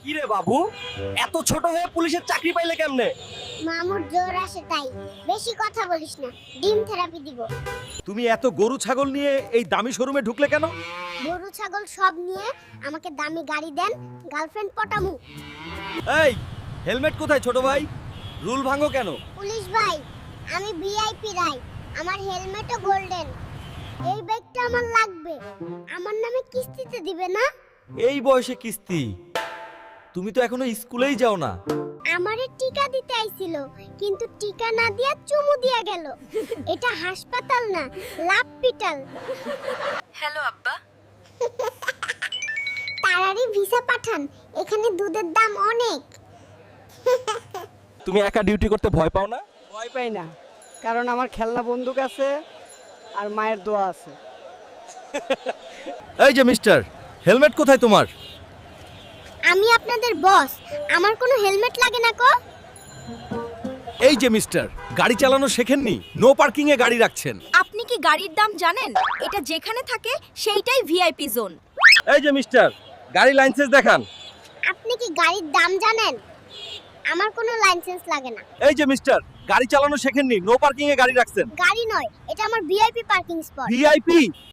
কি রে বাবু, এত ছোট হয়ে পুলিশের চাকরি পাইলে কেমনে? মামুর জোর আসে তাই। বেশি কথা বলিস না, ডিম থেরাপি দিব। তুমি এত গরু ছাগল নিয়ে এই দামি শোরুমে ঢুকলে কেন? গরু ছাগল সব নিয়ে আমাকে দামি গাড়ি দেন, গার্লফ্রেন্ড পটামু। এই হেলমেট কোথায় ছোট ভাই? রুল ভাঙো কেন? পুলিশ ভাই, আমি ভিআইপি রাই, আমার হেলমেটও গোল্ডেন। এই ব্যাগটা আমার লাগবে, আমার নামে কিস্তিতে দিবে না? এই বয়সে কিস্তি? তুমি তো এখনো স্কুলেই যাও না। আমারে টিকা দিতে আইছিল, কিন্তু টিকা না দিয়া চুমু দিয়া গেল। এটা হাসপাতাল না, লাপপিটাল। হ্যালো আব্বা। তাড়াতাড়ি ভিসা পাঠান, এখানে দুধের দাম অনেক। তুমি একা ডিউটি করতে ভয় পাও না? ভয় পাই না, কারণ আমার খেলনা বন্দুক আছে আর মায়ের দোয়া আছে। এই যে মিস্টার, হেলমেট কোথায় তোমার? আমি আপনাদের বস, আমার কোনো হেলমেট লাগে না কো? এই যে মিস্টার, গাড়ি চালানো শেখেননি, নো পার্কিং এ গাড়ি রাখছেন। আপনি কি গাড়ির দাম জানেন? এটা যেখানে থাকে সেইটাই ভিআইপি জোন। এই যে মিস্টার, গাড়ি লাইসেন্স দেখান। আপনি কি গাড়ির দাম জানেন? আমার কোনো লাইসেন্স লাগে না। এই যে মিস্টার, গাড়ি চালানো শেখেননি, নো পার্কিং এ গাড়ি রাখছেন। গাড়ি নয়, এটা আমার ভিআইপি পার্কিং স্পট। ভিআইপি?